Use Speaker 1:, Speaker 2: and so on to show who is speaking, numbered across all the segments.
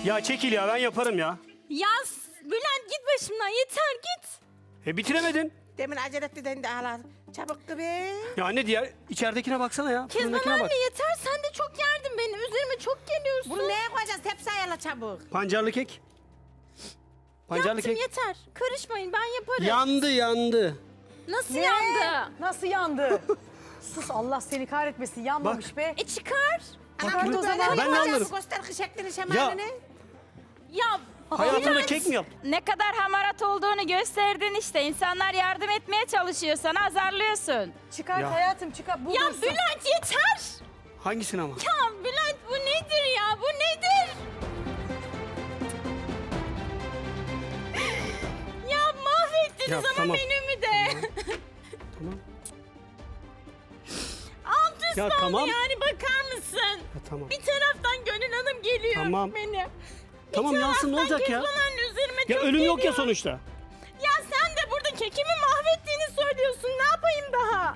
Speaker 1: Ya çekil ya, ben yaparım ya.
Speaker 2: Ya Bülent git başımdan, yeter git.
Speaker 1: Bitiremedin.
Speaker 3: Demin acele etti de ağlar. Çabuk be.
Speaker 1: Ya anne, diğer içeridekine baksana ya.
Speaker 2: Kezban
Speaker 1: Fırındakine
Speaker 2: anne
Speaker 1: bak.
Speaker 2: yeter, sen de çok yerdin benim. Üzerime çok geliyorsun.
Speaker 3: Bunu neye koyacağız? Tepsi ayarla çabuk.
Speaker 1: Pancarlı kek. Pancarlı
Speaker 2: Yaptım
Speaker 1: kek.
Speaker 2: yeter. Karışmayın, ben yaparım.
Speaker 1: Yandı.
Speaker 2: Nasıl
Speaker 4: Ne?
Speaker 2: yandı?
Speaker 4: Nasıl yandı? Sus, Allah seni kahretmesin, yanmamış
Speaker 1: Bak.
Speaker 4: be.
Speaker 2: Çıkar.
Speaker 3: Anam bunu
Speaker 1: o
Speaker 3: böyle
Speaker 1: zaman.
Speaker 3: mi
Speaker 1: Ben de
Speaker 3: koyacağız?
Speaker 1: anlarım.
Speaker 3: Göster şeklini şemalini.
Speaker 2: Ya
Speaker 1: Hayatında
Speaker 2: Bülent,
Speaker 1: kek mi yaptın?
Speaker 5: Ne kadar hamarat olduğunu gösterdin işte. İnsanlar yardım etmeye çalışıyor, sana azarlıyorsun.
Speaker 4: Çıkart
Speaker 1: Ya.
Speaker 4: hayatım, çıkart. Bu
Speaker 2: Ya
Speaker 4: dursun.
Speaker 2: Bülent yeter.
Speaker 1: Hangisini ama?
Speaker 2: Ya Bülent bu nedir ya? Bu nedir? Ya mahvettiniz
Speaker 1: Ya,
Speaker 2: ama
Speaker 1: tamam.
Speaker 2: menümü de.
Speaker 1: Tamam.
Speaker 2: Alt üst
Speaker 1: Ya,
Speaker 2: oldu
Speaker 1: tamam.
Speaker 2: yani, bakar mısın?
Speaker 1: Ya, tamam.
Speaker 2: Bir taraftan Gönül Hanım geliyor
Speaker 1: Tamam.
Speaker 2: beni.
Speaker 1: Tamam, yansın, ne olacak ya?
Speaker 2: Kezban anne üzerime
Speaker 1: Ya
Speaker 2: çok
Speaker 1: ölüm yok ya
Speaker 2: geliyor.
Speaker 1: sonuçta.
Speaker 2: Ya sen de burada kekimi mahvettiğini söylüyorsun. Ne yapayım daha?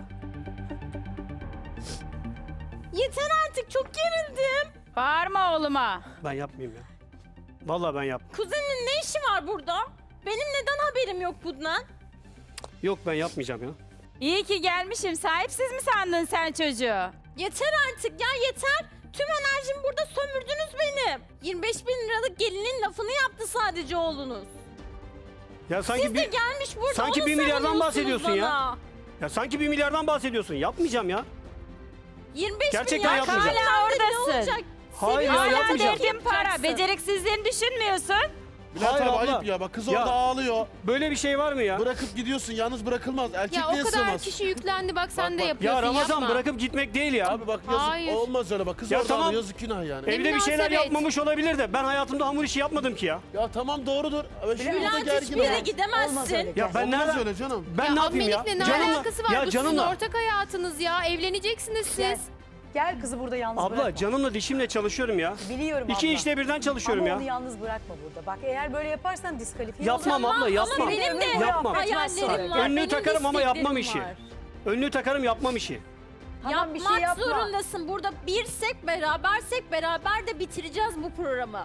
Speaker 2: Yeter artık, çok gerildim.
Speaker 5: Bağırma oğluma.
Speaker 1: Ben yapmayayım ya. Vallahi ben yap.
Speaker 2: Kuzenin ne işi var burada? Benim neden haberim yok bundan?
Speaker 1: Yok, ben yapmayacağım ya.
Speaker 5: İyi ki gelmişim. Sahipsiz mi sandın sen çocuğu?
Speaker 2: Yeter artık ya, yeter. Tüm enerjimi burada sömürdünüz benim. 25 bin liralık gelinin lafını yaptı sadece oğlunuz.
Speaker 1: Ya sanki
Speaker 2: Siz de gelmiş burada
Speaker 1: sanki
Speaker 2: onu
Speaker 1: 1 milyardan
Speaker 2: savunuyorsunuz
Speaker 1: bahsediyorsun ya.
Speaker 2: bana.
Speaker 1: Ya sanki 1 milyardan bahsediyorsun. Yapmayacağım ya.
Speaker 2: 25
Speaker 1: Gerçekten
Speaker 2: milyar
Speaker 1: yapmayacağım.
Speaker 5: Hala
Speaker 2: kazandı, ne
Speaker 5: oradasın.
Speaker 2: olacak?
Speaker 1: Hayır ya,
Speaker 5: Hala
Speaker 1: yapmayacağım.
Speaker 5: derdin para.
Speaker 2: Yapacaksın.
Speaker 5: Beceriksizliğini düşünmüyorsun.
Speaker 6: Bülent
Speaker 1: Hayır
Speaker 6: abi
Speaker 1: abla.
Speaker 6: ayıp ya, bak kız
Speaker 1: Ya.
Speaker 6: orada ağlıyor.
Speaker 1: Böyle bir şey var mı ya?
Speaker 6: Bırakıp gidiyorsun, yalnız bırakılmaz.
Speaker 7: Ya
Speaker 6: Erkekliğe
Speaker 7: o kadar
Speaker 6: sığmaz.
Speaker 7: kişi yüklendi, bak sen de
Speaker 6: bak.
Speaker 7: yapıyorsun,
Speaker 1: Ya Ramazan,
Speaker 7: yapma.
Speaker 1: bırakıp gitmek değil ya.
Speaker 6: Abi bak yazık,
Speaker 7: Hayır.
Speaker 6: olmaz öyle bak. Kız
Speaker 1: Ya
Speaker 6: orada
Speaker 1: tamam.
Speaker 6: ağlıyor, yazık günah yani.
Speaker 1: Evde bir şeyler
Speaker 7: münasebet.
Speaker 1: yapmamış olabilir de ben hayatımda hamur işi yapmadım ki ya.
Speaker 6: Ya tamam doğrudur. Ama şimdi burada
Speaker 2: Bülent
Speaker 6: gergin
Speaker 2: hiçbir yere
Speaker 6: ol.
Speaker 2: gidemezsin.
Speaker 4: Olmaz öyle.
Speaker 1: Ya ben
Speaker 6: Olmaz
Speaker 1: nereden?
Speaker 6: öyle canım.
Speaker 1: Ben ne yapayım ya?
Speaker 7: Amilikle ne alakası var?
Speaker 1: Ya
Speaker 7: Bu sizin
Speaker 1: canımla.
Speaker 7: ortak hayatınız ya. Evleneceksiniz
Speaker 4: Gel.
Speaker 7: siz.
Speaker 4: Gel kızı burada yalnız
Speaker 1: Abla
Speaker 4: bırakma.
Speaker 1: canımla dişimle çalışıyorum ya.
Speaker 4: Biliyorum
Speaker 1: İki
Speaker 4: abla.
Speaker 1: işte birden çalışıyorum
Speaker 4: Ama
Speaker 1: ya.
Speaker 4: onu yalnız bırakma burada. Bak eğer böyle yaparsan diskalifiye
Speaker 1: Yapmam
Speaker 4: olacağım.
Speaker 1: abla, yapmam.
Speaker 2: Ama benim de
Speaker 1: Yapmam.
Speaker 2: hayallerim var.
Speaker 1: Önlüğü
Speaker 2: benim de
Speaker 1: takarım ama yapmam
Speaker 2: isteklerim
Speaker 1: işi.
Speaker 2: var.
Speaker 1: Önlüğü takarım, yapmam işi.
Speaker 4: Tamam, bir
Speaker 2: Yapmak
Speaker 4: şey yapma.
Speaker 2: zorundasın. Burada birsek, berabersek beraber de bitireceğiz bu programı.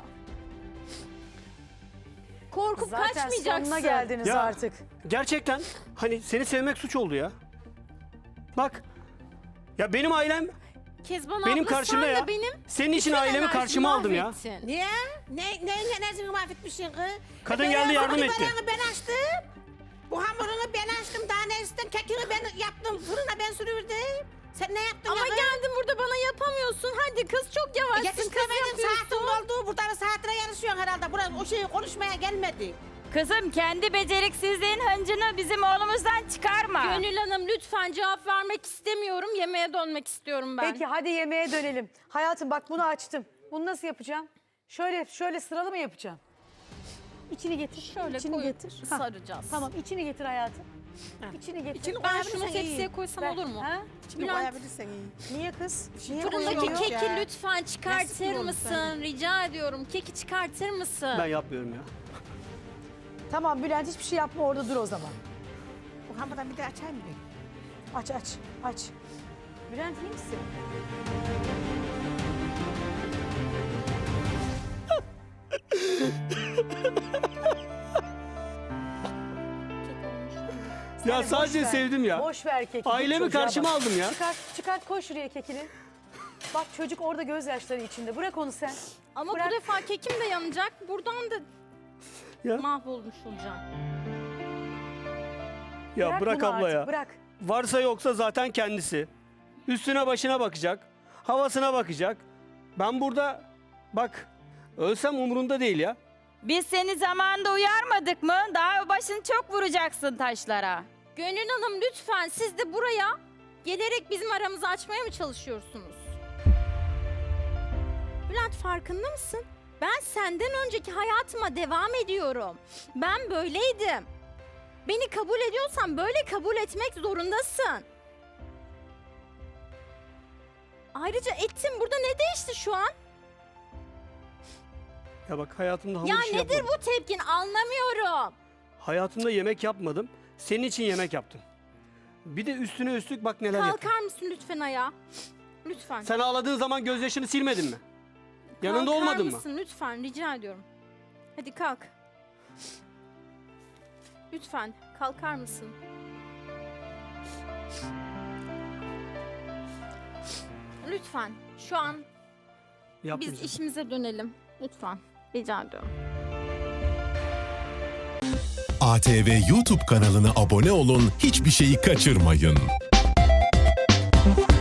Speaker 2: Korkup
Speaker 4: Zaten
Speaker 2: kaçmayacaksın.
Speaker 4: sonuna geldiniz
Speaker 1: Ya.
Speaker 4: artık.
Speaker 1: Gerçekten hani seni sevmek suç oldu ya. Bak. Ya benim ailem
Speaker 2: Kezban
Speaker 1: benim
Speaker 2: abla,
Speaker 1: karşımda
Speaker 2: sen
Speaker 1: ya.
Speaker 2: de benim
Speaker 1: Senin için
Speaker 2: bütün
Speaker 1: ailemi
Speaker 2: enerjimi
Speaker 1: karşıma aldım ya.
Speaker 2: mahvettin.
Speaker 3: Niye? Ne enerjini mahvetmişsin kız?
Speaker 1: Kadın geldi, yardım etti.
Speaker 3: Böreğini ben açtım. Bu hamurunu ben açtım. Daha ne istem? Kekini ben yaptım. Fırına ben sürürdüm. Sen ne yaptın
Speaker 2: Ama
Speaker 3: ya kız?
Speaker 2: geldin burada bana yapamıyorsun. Hadi kız, çok yavaşsın. Kız
Speaker 3: Yetiştiremedim. Saatin
Speaker 2: yapıyorsun.
Speaker 3: oldu. Burada da saatine yarışıyorsun herhalde. Buraya o şeyi konuşmaya gelmedik.
Speaker 5: Kızım, kendi beceriksizliğin hıncını bizim oğlumuzdan çıkarma.
Speaker 2: Gönül Hanım lütfen, cevap vermek istemiyorum. Yemeğe dönmek istiyorum ben.
Speaker 4: Peki hadi yemeğe dönelim. Hayatım bak bunu açtım. Bunu nasıl yapacağım? Şöyle sıralı mı yapacağım? İçini getir.
Speaker 2: Şöyle
Speaker 4: içini
Speaker 2: koyup
Speaker 4: getir. Ha,
Speaker 2: saracağız.
Speaker 4: Tamam, içini getir hayatım. İçini getir.
Speaker 3: İçini
Speaker 2: Ben
Speaker 3: koyabilirsen
Speaker 2: şunu
Speaker 3: iyi.
Speaker 2: tepsiye koysam
Speaker 4: Ver.
Speaker 2: olur mu?
Speaker 4: Ha?
Speaker 3: Şimdi
Speaker 2: Bülent.
Speaker 3: koyabilirsen iyi.
Speaker 4: Niye kız? Niye
Speaker 2: Fırındaki
Speaker 4: koyuyor?
Speaker 2: keki
Speaker 3: ya.
Speaker 2: lütfen
Speaker 3: Nasıl
Speaker 2: çıkartır
Speaker 3: olur
Speaker 2: mısın?
Speaker 3: sen?
Speaker 2: Rica ediyorum. Keki çıkartır mısın?
Speaker 1: Ben yapmıyorum ya.
Speaker 4: Tamam Bülent, hiçbir şey yapma, orada dur o zaman.
Speaker 3: Bu hamurdan bir de açayım mı?
Speaker 4: Aç. Bülent iyi misin?
Speaker 1: Ya
Speaker 4: Boş
Speaker 1: sadece
Speaker 4: ver.
Speaker 1: sevdim ya.
Speaker 4: Boş ver keki.
Speaker 1: Ailemi
Speaker 4: Çocuğa
Speaker 1: karşıma
Speaker 4: bak.
Speaker 1: aldım ya.
Speaker 4: Çıkart, koy şuraya kekini. Bak çocuk orada gözyaşları içinde. Bırak onu sen.
Speaker 2: Ama
Speaker 4: Bırak.
Speaker 2: bu defa kekim de yanacak. Buradan da
Speaker 1: Ya.
Speaker 2: mahvolmuş olacağım.
Speaker 1: Ya bırak
Speaker 4: bunu
Speaker 1: abla
Speaker 4: artık,
Speaker 1: ya.
Speaker 4: Bırak.
Speaker 1: Varsa yoksa zaten kendisi. Üstüne başına bakacak. Havasına bakacak. Ben burada bak ölsem umurunda değil ya.
Speaker 5: Biz seni zamanında uyarmadık mı? Daha başını çok vuracaksın taşlara.
Speaker 2: Gönül Hanım lütfen, siz de buraya gelerek bizim aramızı açmaya mı çalışıyorsunuz? Bülent, farkında mısın? Ben senden önceki hayatıma devam ediyorum. Ben böyleydim. Beni kabul ediyorsan böyle kabul etmek zorundasın. Ayrıca ettim, burada ne değişti şu an?
Speaker 1: Ya bak hayatımda hamur
Speaker 2: Ya
Speaker 1: işi
Speaker 2: nedir
Speaker 1: yapmadım.
Speaker 2: bu tepkin, anlamıyorum.
Speaker 1: Hayatımda yemek yapmadım. Senin için yemek yaptım. Bir de üstüne üstlük bak neler yaptım.
Speaker 2: Kalkar mısın lütfen ayağa? Lütfen.
Speaker 1: Sen ağladığın zaman gözyaşını silmedin mi? Yanında
Speaker 2: Kalkar
Speaker 1: olmadın mı?
Speaker 2: mısın lütfen rica ediyorum. Hadi kalk. Lütfen kalkar mısın? Lütfen şu an biz
Speaker 1: Yapmayacağım.
Speaker 2: işimize dönelim. Lütfen rica ediyorum.
Speaker 8: ATV YouTube kanalına abone olun, hiçbir şeyi kaçırmayın.